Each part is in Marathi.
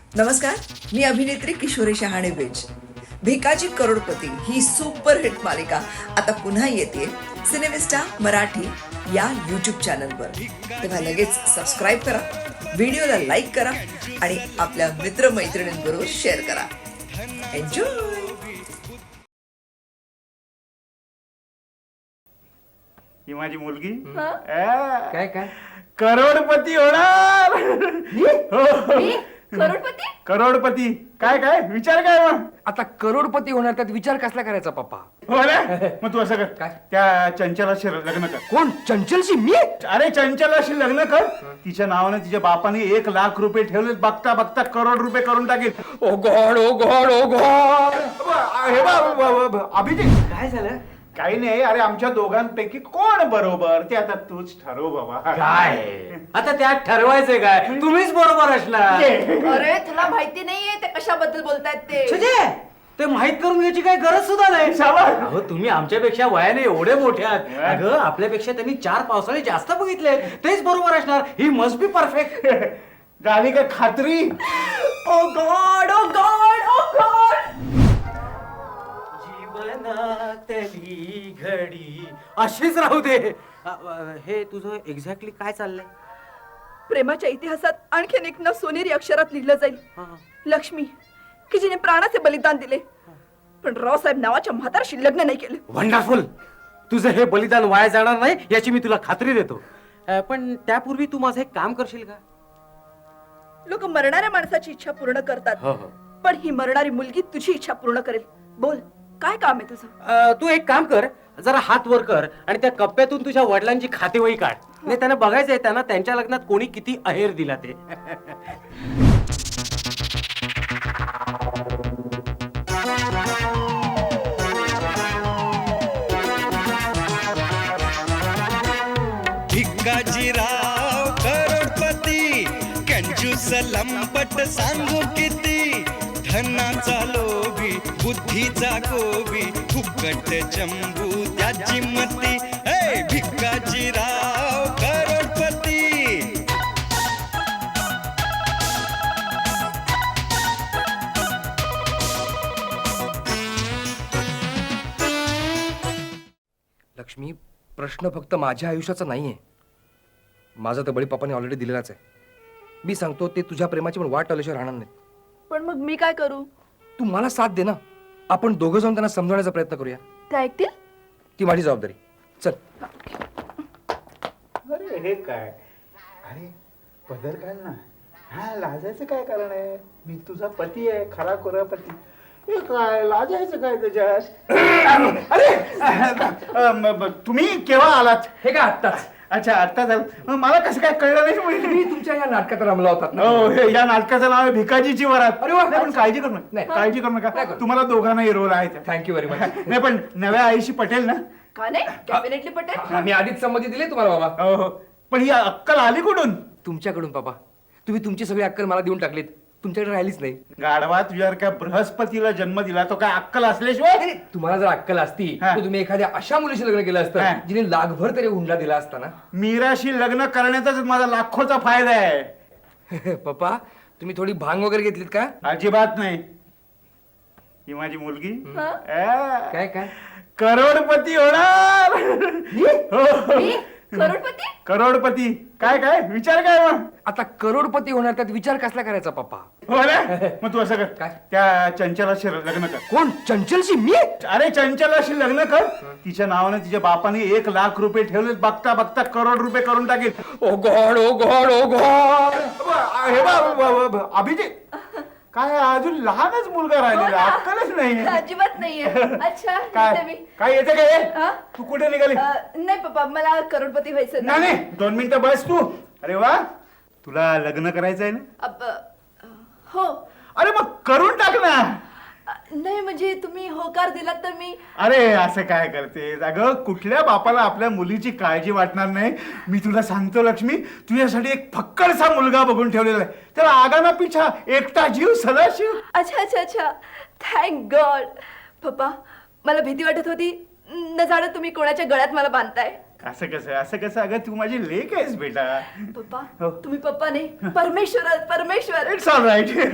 नमस्कार, मी अभिनेत्री किशोरी शहाणे बेज. भिकाजी करोडपती ही सुपरहिट मालिका आता पुन्हा येते सिनेमिस्टा मराठी या यूट्यूब चॅनलवर. तेव्हा लगेच सबस्क्राईब करा, व्हिडिओला लाईक करा आणि आपल्या मित्रमैत्रिणींबरोबर शेअर करा. एन्जॉय. ही माझी मुलगी काय काय करोडपती होणार. करोडपती. करोडपती काय काय विचार काय मग? आता करोडपती होणार त्यात विचार कसला करायचा पप्पा? हो ना, मग तू असं कर, काय? त्या चंचलाशी लग्न कर. कोण? चंचलशी? मी? अरे चंचलाशी लग्न कर. तिच्या नावाने तिच्या बापाने 1,00,000 रुपये ठेवले, बघता बघता करोड रुपये करून टाकेल. Oh God, oh God, oh God. हे बघ अभिजित, काय झालं? काही नाही. अरे आमच्या दोघांपैकी कोण बरोबर ते आता तूच ठरव बाबा. काय आता त्यात ठरवायचंय काय? तुम्हीच बरोबर असणार. अरे तुला माहिती नाहीये ते कशाबद्दल बोलतायत ते. छे, ते माहित करून घ्यायची काही गरज सुद्धा नाही. शाबास. अहो तुम्ही आमच्यापेक्षा वयाने एवढे मोठे आहात. अगं आपल्यापेक्षा त्यांनी 4 पावसाळे जास्त बघितले, तेच बरोबर असणार. ही मस्ट बी परफेक्ट. झाली का खात्री? Oh God, oh God, oh God. जीवनातली घडी अशीच राहू दे. हे तुझं एक्झॅक्टली काय चाललंय? प्रेमाच्या इतिहासात आणखीन एक नाव सोनेरी अक्षरात लिहिलं जाईल. लक्ष्मी, की जिने प्राणाचे बलिदान दिले, पण रावसाहेब नावाच्या म्हातारशी लग्न नाही केलं. वंडरफुल. तुझं हे बलिदान वाया जाणार नाही याची मी तुला खात्री देतो. पण त्यापूर्वी तू माझं एक काम करशील का? लोक मरणाऱ्या माणसाची इच्छा पूर्ण करतात, हो हो. पण ही मरणारी मुलगी तुझी इच्छा पूर्ण करेल. बोल, काय काम आहे तुझं? तू एक काम कर, जरा हात वर कर आणि त्या कप्प्यातून तुझ्या वडिलांची खातेवही काढ. नाही त्यांना बघायचंय त्यांना त्यांच्या लग्नात कोणी किती अहेर दिला ते. भिकाजीराव करोडपती, कंजूस लंपट सांगू किती, धनाचा लोभी बुद्धीचा गोबी, फुकट चंबू त्याची मती. हे भिकाजीराव करोडपती. लक्ष्मी, प्रश्न फक्त माझ्या आयुष्याचा नाहीये. माझा तर बळी पप्पाने ऑलरेडी दिलेलाच आहे. मी सांगतो ते तुझ्या प्रेमाची पण वाट टाळल्याशिवाय राहणार नाही. पण मग मी काय करू? तू मला साथ दे ना. आपण दोघं जाऊन त्यांना समजवण्याचा प्रयत्न करूया. ते ऐकतील? ती माझी जबाबदारी. चल. अरे हे काय? अरे पदर काढ ना. हा, लाजायचं काय कारण आहे? मी तुझा पती आहे, खरा खुरा पती. हे काय लाजायचं काय त्याच्यात? अरे तुम्ही केव्हा आलात? हे काय आत्ताच? अच्छा, आता झालं. मला कसं काय कळलं नाही? मी तुमच्या या नाटकात रमला होतात ना. हो, या नाटकाचं नाव आहे भिकाजीची वरात. अरे वा. नाही, पण काळजी करू नका. नाही. काळजी करू नाही नका. करू. तुम्हाला दोघांनाही रोल आहे. Thank you very much. नाही, पण नव्या आईशी पटेल ना? का नाही? डेफिनेटली पटेल. मी आधीच संमती दिली तुम्हाला बाबा. हो हो. पण ही अक्कल आली कुठून? तुमच्याकडून बाबा. तुम्ही तुमची सगळी अक्कल मला देऊन टाकलीत. तुमच्याकडे राहिलीच नाही. गाढवा, तुझ्यावर काय बृहस्पतीला जन्म दिला तो काय अक्कल असल्याशिवाय? तुम्हाला जर अक्कल असती हा. तर तुम्ही एखाद्या अशा मुलीशी लग्न केलं हा. असतं जिने लाखभर तरी हुंडा दिला असता ना. मीराशी लग्न करण्याचाच माझा लाखोचा फायदा आहे. पप्पा, तुम्ही थोडी भांग वगैरे घेतलीत का? अजिबात नाही. ही माझी मुलगी काय काय? करोडपती होणार. हो. मी करोडपती. करोडपती काय काय विचार काय मग? आता करोडपती होणार त्यात विचार कसला करायचा पप्पा? हो ना, मग तू असं कर, काय? त्या चंचलाशी लग्न कर. कोण? चंचलशी? मी? अरे चंचलाशी लग्न कर. तिच्या नावाने तिच्या बापाने 1,00,000 रुपये ठेवले, बघता बघता करोड रुपये करून टाकेल. Oh God, oh God, oh God. हे बघ अभिजित, काय अजून लहानच मुलगा राहिलेला, अक्कलच नाही. अजिबात नाहीये. अच्छा, काय येते मी. काय येते काय? हा? तू कुठे निघाली? नाही पप्पा, मला करोडपती व्हायचं नाही नाही, 2 मिनिटं बस तू. अरे वा, तुला लग्न करायचं आहे ना? हो. अरे मग करून टाक ना. नाही म्हणजे तुम्ही होकार दिलात तर मी. अरे असं काय करते? अगं कुठल्या बापाला आपल्या मुलीची काळजी वाटणार नाही? मी तुला सांगतो लक्ष्मी, तुझ्यासाठी एक फक्कडसा मुलगा बघून ठेवलेला आहे. त्याला आगाना पिछा एकटा जीव सदाशिव. अच्छा अच्छा अच्छा, थँक गॉड. पप्पा, मला भीती वाटत होती, न जाणं तुम्ही कोणाच्या गळ्यात मला बांधताय. असं कसं? अगं तू माझी लेक आहेस बेटा. पप्पा, हो. तुम्ही पप्पा नाही, परमेश्वर. It's all right.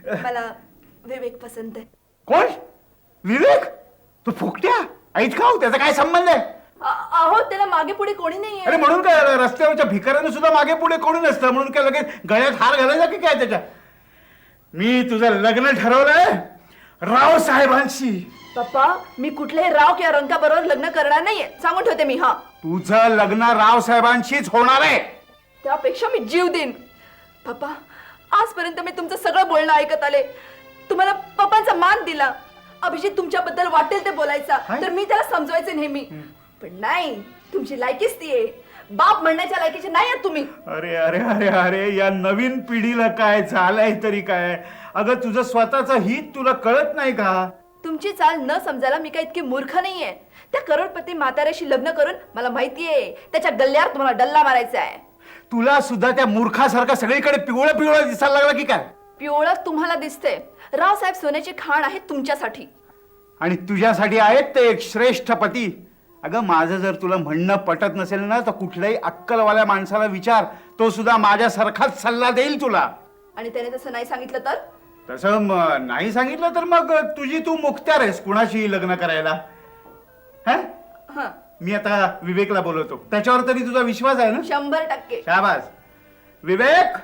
मला विवेक पसंत आहे. कोण? विवेक? तो फुकट्या ऐत का हो? त्याचा काय संबंध आहे? अहो त्याला मागे पुढे कोणी अरे नाहीये. म्हणून काय रस्त्यावरच्या भिकाऱ्यानं सुद्धा मागे पुढे कोणी नसतं म्हणून काय लगेच गळ्यात हार घालायचा की काय त्याच्या? मी तुझं लग्न ठरवलंय राव साहेबांशी. पप्पा मी कुठल्याही राव किंवा रंका बरोबर लग्न करणार नाहीये, सांगून ठेवते मी. हा, तुझं लग्न राव साहेबांशीच होणार आहे. त्यापेक्षा मी जीव देईन. पप्पा आजपर्यंत मी तुमचं सगळं बोलणं ऐकत आले, तुम्हाला पप्पांचा मान दिला, अभिजित तुमच्याबद्दल वाटेल ते बोलायचा काय? तर मी त्याला समजवायचे नेहमी. पण नाही, तुमची लायकीच ती आहे, बाप म्हणण्याच्या लायकीचे नाही आहात तुम्ही. अरे अरे अरे अरे या नवीन पिढीला काय झालंय तरी काय? अगं तुझं स्वतःचं हित तुला कळत नाही का? तुमची चाल न समजायला मी काय इतकी मूर्ख नाहीये. त्या करोडपती म्हाताऱ्याशी लग्न करून मला माहितीये त्याच्या गल्ल्यावर तुम्हाला डल्ला मारायचा आहे. तुला सुद्धा त्या मूर्खासारखा सगळीकडे पिवळं पिवळं दिसायला लागला की काय? पिवळं तुम्हाला दिसते, रावसाहेब सोन्याची खाण आहे तुमच्यासाठी. आणि तुझ्यासाठी आहेत ते एक श्रेष्ठ पती. अगं माझं जर तुला म्हणणं पटत नसेल ना तर कुठल्याही अक्कलवाल्या माणसाला विचार, तो सुद्धा माझ्यासारखाच सल्ला देईल तुला. आणि त्याने तसं नाही सांगितलं तर? तसं नाही सांगितलं तर मग तुझी तू मुक्त्यार आहेस कुणाशी लग्न करायला. हा हं, मी आता विवेकला बोलवतो, त्याच्यावर तरी तुझा विश्वास आहे ना? 100%. शाबास. विवेक,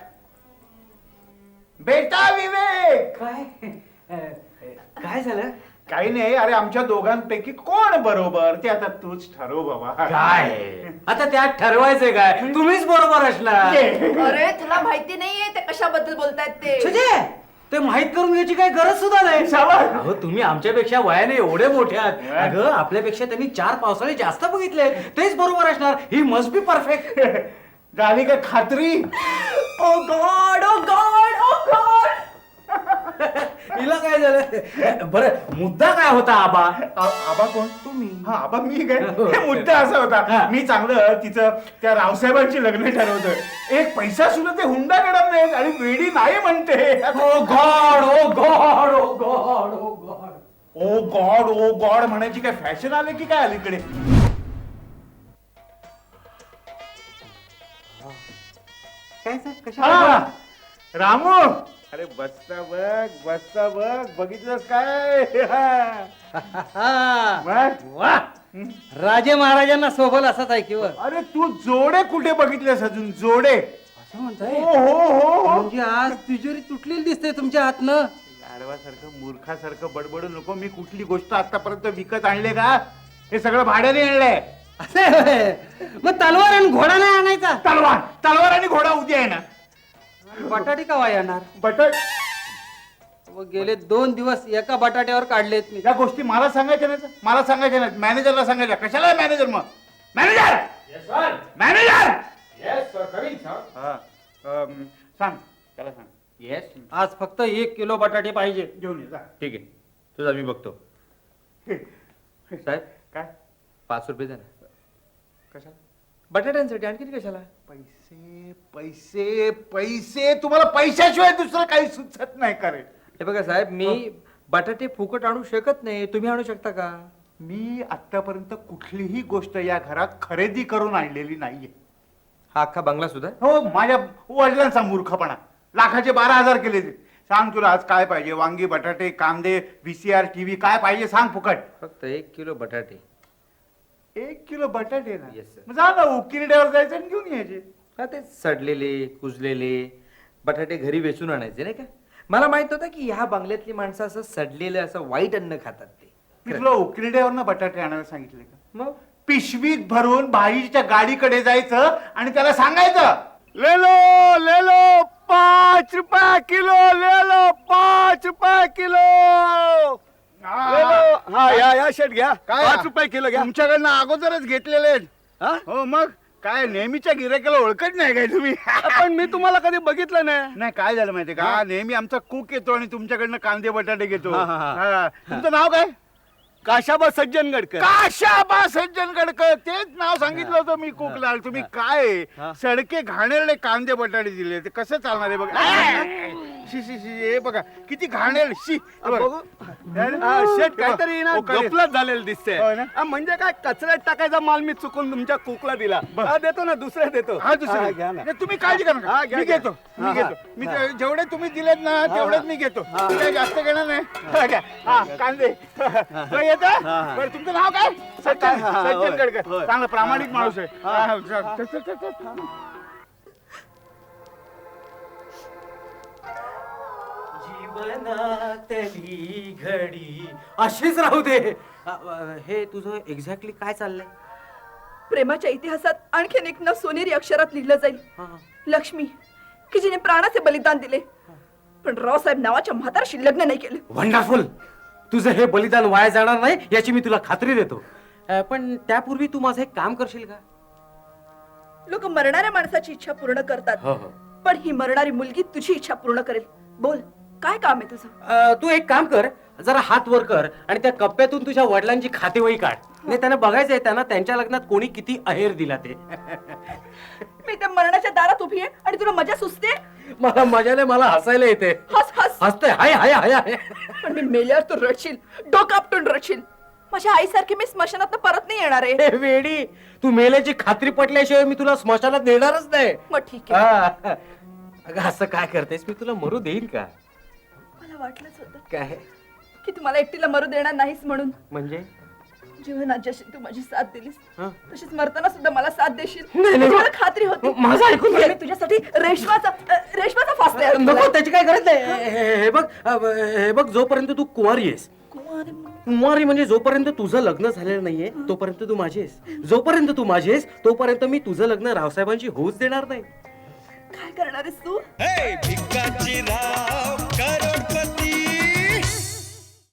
बेटा विवेक. काय झालं? काही नाही. अरे आमच्या दोघांपैकी कोण बरोबर ते आता तूच ठरव बाबा. काय आता त्यात ठरवायचंय काय? तुम्हीच बरोबर असणार. अरे तुला माहिती नाहीये ते कशाबद्दल बोलतायत ते. छजे, ते माहित करून घ्यायची काही गरज सुद्धा नाही. शाबास. अहो तुम्ही आमच्यापेक्षा वयाने एवढे मोठे आहात. अगं आपल्यापेक्षा त्यांनी 4 पावसाळे जास्त बघितले, तेच बरोबर असणार. ही मस्ट बी परफेक्ट. झाली का खात्री? Oh God, oh God, oh God. हिला काय झालं? बरं मुद्दा काय होता आबा? आबा कोण? तुम्ही. हा आबा मी काय? हे मुद्दा असा होता, मी चांगलं तिचं त्या रावसाहेबांची लग्न ठरवतोय. एक पैसा सुद्धा ते हुंडा करत नाहीत आणि वेडी नाही म्हणते. Oh God, oh God, oh God, oh God. Oh God, oh God म्हणायची काय फॅशन आले की काय अलीकडे? काय सर? हा, कशा? रामू. अरे बसता बघ बघितलंस काय? मग? वा राजे महाराजांना सोबल असाच आहे किंवा अरे तू जोडे कुठे बघितलेस अजून? जोडे? असं म्हणताय? हो. म्हणजे आज तिजोरी तुटलेली दिसते तुमच्या हातनं. गाढवासारखं मूर्खासारखं बडबडू नको. मी कुठली गोष्ट आतापर्यंत विकत आणले का? हे सगळं भाड्याने आणलंय. असं आहे होय. मग तलवार आणि घोडा नाही आणायचा? तलवार आणि घोडा उद्या आहे ना. बटाटे का येणार? बटट मग गेले 2 दिवस एका बटाट्यावर काढलेत मी. या गोष्टी मला सांगायच्या नाहीत. मला सांगायच्या नाहीत, मॅनेजरला सांगायच्या. कशाला मॅनेजर? मग मॅनेजर मॅनेजर सांग त्याला सांग. येस, आज फक्त 1 किलो बटाटे पाहिजे. घेऊन ये जा. ठीक आहे, तुझा मी बघतो. साहेब काय? 5 रुपये द्या ना. कशाला? बटाट्यांसाठी. आणखी कशाला? पैसे पैसे पैसे. तुम्हाला पैशाशिवाय दुसरं काही सुचत नाही का रे? हे बघा साहेब, मी बटाटे फुकट आणू शकत नाही, तुम्ही आणू शकता का? मी आतापर्यंत कुठलीही गोष्ट या घरात खरेदी करून आणलेली नाहीये. हा अख्खा बंगला सुद्धा? हो, माझ्या वडिलांचा मूर्खपणा. लाखाचे 12,000 केले ते. सांग तुला आज काय पाहिजे? वांगी, बटाटे, कांदे, VCR, TV काय पाहिजे सांग फुकट. फक्त 1 किलो बटाटे. 1 किलो बटाटे ना? Yes, sir. मग जा ना उकिरड्यावर जायचं आणि घेऊन यायचे. हा ते सडलेले कुजलेले बटाटे घरी वेचून आणायचे नाही का? मला माहित होतं की ह्या बंगल्यातली माणसं असं सडलेलं असं वाईट अन्न खातात ते. मी तुला उकिरड्यावर ना बटाटे आणायला सांगितले का? मग पिशवीत भरून भाईच्या गाडीकडे जायचं आणि त्याला सांगायचं, ले लो 5 रुपये किलो, ले लो 5 रुपये किलो. हा या शेट घ्या. काय 5 रुपये किलो घ्या. तुमच्याकडनं अगोदरच घेतलेले आहेत. हा? हो मग काय नेहमीच्या गिरायकाला ओळखत नाही काय तुम्ही? पण मी तुम्हाला कधी बघितलं नाही. नाही काय झालं माहितीये का, नेहमी आमचा कुक येतो आणि तुमच्याकडनं कांदे बटाटे घेतो. हा, हा, हा. हा. तुमचं नाव काय? काशाबा सज्जनगडकर. काशाबा सज्जनगडकर. तेच नाव सांगितलं होतं मी कुकला. तुम्ही काय हा. सडके घाणेरडे कांदे बटाटे दिले, ते कसं चालणार आहे बघ. शी शी शी हे बघा किती घाणेल शी हे बघा. बघू शेट काहीतरी ना ओकाळी. गफलत झालेलं दिसतंय होय ना? म्हणजे काय कचऱ्यात टाकायचा माल मी चुकून तुमच्या कुकला दिला देतो ना दुसऱ्या देतो हा दुसरं घ्या ना नाही, तुम्ही काळजी करा नका. हा, घ्या, मी घ्या. घेतो मी हा, घेतो मी हा. जेवढे तुम्ही दिलेत ना तेवढेच मी घेतो मी काही जास्त घेणार नाही हा, घ्या. हा कांदे येत हा. बरं तुमचं नाव काय सज्जन हा, सज्जन होय, गडकर होय. चांगला प्रामाणिक हा, माणूस आहे हा. हा, हा, चल, चल, चल, चल. जीवनातली घडी अशीच राहू दे हे तुझं एक्झॅक्टली काय चाललंय प्रेमाच्या इतिहासात आणखीन एक नाव सोनेरी अक्षरात लिहिलं जाईल लक्ष्मी की जिने प्राणाचे बलिदान दिले पण रावसाहेब नावाच्या म्हातारशी लग्न नाही केलं. वंडरफुल तुझं हे बलिदान वाया जाणार नाही याची मी तुला खात्री देतो पण त्यापूर्वी तू माझं एक काम करशील का लोक मरणाऱ्या माणसाची इच्छा पूर्ण करतात हो, हो. पण ही मरणारी मुलगी तुझी इच्छा पूर्ण करेल. बोल काय काम आहे तुझं? तू एक काम कर जरा हात वर कर आणि त्या कप्प्यातून तुझ्या वडिलांची खातेवही काढ नाही त्यांना बघायचंय त्यांना त्यांच्या लग्नात कोणी किती अहेर दिला ते मी त्या मरणाच्या दारात उभी आहे आणि तुला मजा सुचते. मला मजाने मला हसायला येते हस हस हसते हाय हाय हाय हाय पण मी मेल्यावर तू रडशील डोकं आपटून रडशील. माझ्या आईसारखी मी स्मशानात परत नाही येणार आहे. हे वेडी तू मेल्याची खात्री पटल्याशिवाय मी तुला स्मशानात नेणारच नाही मग ठीक आहे. हा. अगं असं काय करतेस मी तुला मरू देईन का मला वाटलंच होतं काय की तू मला एकटीला मरू देणार नाहीस म्हणून. म्हणजे जीवनात जशी तू माझी साथ दिलीस हं? तशीच मरताना सुद्धा मला साथ देशील नाही, नाही. याची मला खात्री होती. माझं ऐकून घे. मी तुझ्यासाठी रेशमाचा फास तयार केलाय. नको त्याची काय गरज नाही हे बघ जोपर्यंत तू कुमारी आहेस कुमारी म्हणजे जोपर्यंत तुझं लग्न झालेलं नाहीये तोपर्यंत तू माझी आहेस जोपर्यंत तू माझी आहेस तोपर्यंत मी तुझं लग्न रावसाहेबांशी होऊच देणार नाही काय करणार आहेस तू? हे भिकाजी राव करोडपती